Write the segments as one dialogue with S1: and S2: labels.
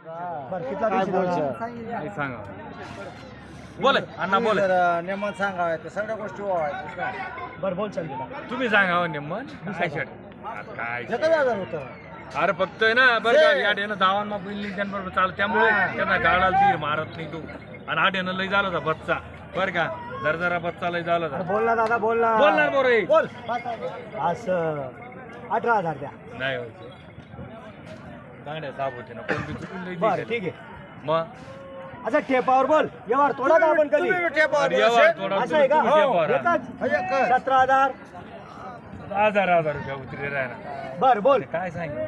S1: बरं कितला
S2: काय
S1: दिवशी
S2: बोलशा?
S1: दादा?
S3: नाही सांगा बोले अण्णा बोले
S2: नेमन सांगावं सगळ्या गोष्टी व्हायच्या
S1: बरं बोल चल तिला.
S3: तुम्ही सांगा हो निम्मन काय शेट काय
S2: एकच हजार होतं
S3: अरे फक्त आहे ना बरं का या डेनं धावांना बिल्डिंग त्यांबरोबर चालत त्यामुळे त्यांना गाडाला तीर मारत नाही तू आणि हा डेनं लय झाला होता बच्चा बरं का जरा बच्चा लय झाला
S1: अरे
S3: होता
S1: बोल ना दादा बोल ना.
S3: बोलणार बरं
S1: बोल असं 18,000 द्या.
S3: नाही होते गाड्या साफ होते ना कोण बी चुकून लय
S1: बरं
S3: दिसेल.
S1: ठीक आहे.
S3: मग
S1: अच्छा ठेपावर बोल व्यवहार थोडा का आपण कधी
S2: तुम्ही टेपावर
S3: अरे येवा,
S2: बोलशे.
S3: थोडा
S1: असं आहे का
S3: तुम्ही टेपावर हा.
S1: एकच 17,000.
S3: 1000 रुपया उतरी राहणार
S1: बरं बोल
S3: काय सांग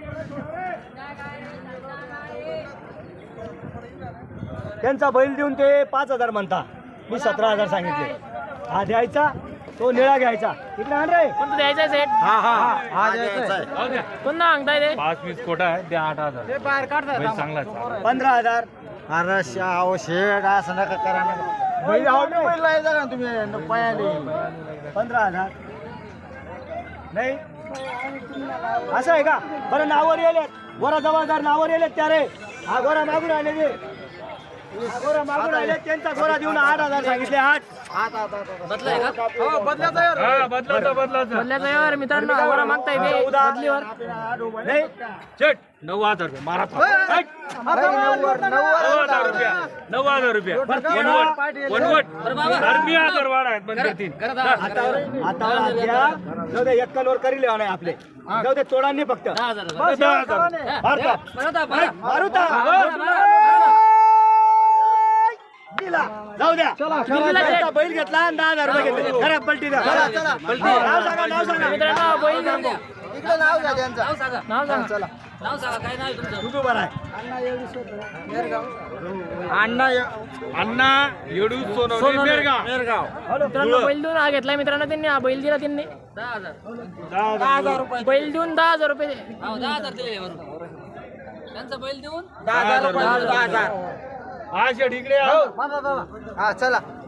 S1: त्यांचा बैल देऊन ते 5,000 म्हणता मी 17,000 सांगितले. हा द्यायचा तो निळा घ्यायचा इकडे आण रे.
S4: कोणतं द्यायचं सेट
S2: हा द्यायचा आहे.
S3: जाऊ द्या
S4: कोणता सांगताय ते
S3: 5-20 कोटा आहे द्या 8,000
S2: बाहेर काढता
S3: बैल चांगला आहे.
S1: 15,000.
S2: अरे शाव शेड असं नका करा ना बैल बैल लायचा का तुम्ही पायाने
S1: 15,000 नाही असं आहे का. बरं नावर येले गोरा जबाबदार नावर येले त्या रे. हा गोरा मागून आले ते हा गोरा मागून आले त्यांचा गोरा देऊन 8,000 सांगितले. 8
S4: बदलाय का
S3: हा बदलाचा
S4: बदल्याचा व्यवहार मित्रांनो आम्हाला मागताय ते बदलीवर
S1: नाही
S3: चट 9,000 रुपये मारा 9,000 रुपये वनवट मी 1000 वाढ आहेत पण करतील
S1: आता द्या. जाऊ दे एक कलवर करी लेवा नाही आपले. जाऊ दे तोडा नाही फक्त
S4: 10,000
S1: मारता. मारुता दिला. जाऊ द्या त्यांचा बैल घेतला आणि 10,000 रुपये घेतले. खरा पलटी द्या. पलटी नाव सांगा
S4: मित्रांनो बैल सांगू
S2: इकडे नाव घ्या त्यांचं
S4: नाव सांगा नाव सांगा काय नाव आहे तुमचं
S1: तू बरं आहे.
S3: अण्णा येडू सोनवणे मेरगाव
S4: मित्रांनो बैल देऊन हा घेतलाय मित्रांनो त्यांनी हा बैल दिला त्यांनी 10,000 रुपये बैल देऊन 10,000 रुपये 10,000 दिले त्यांचा बैल देऊन
S2: 10,000
S3: हा शेट इकडे
S2: हा चला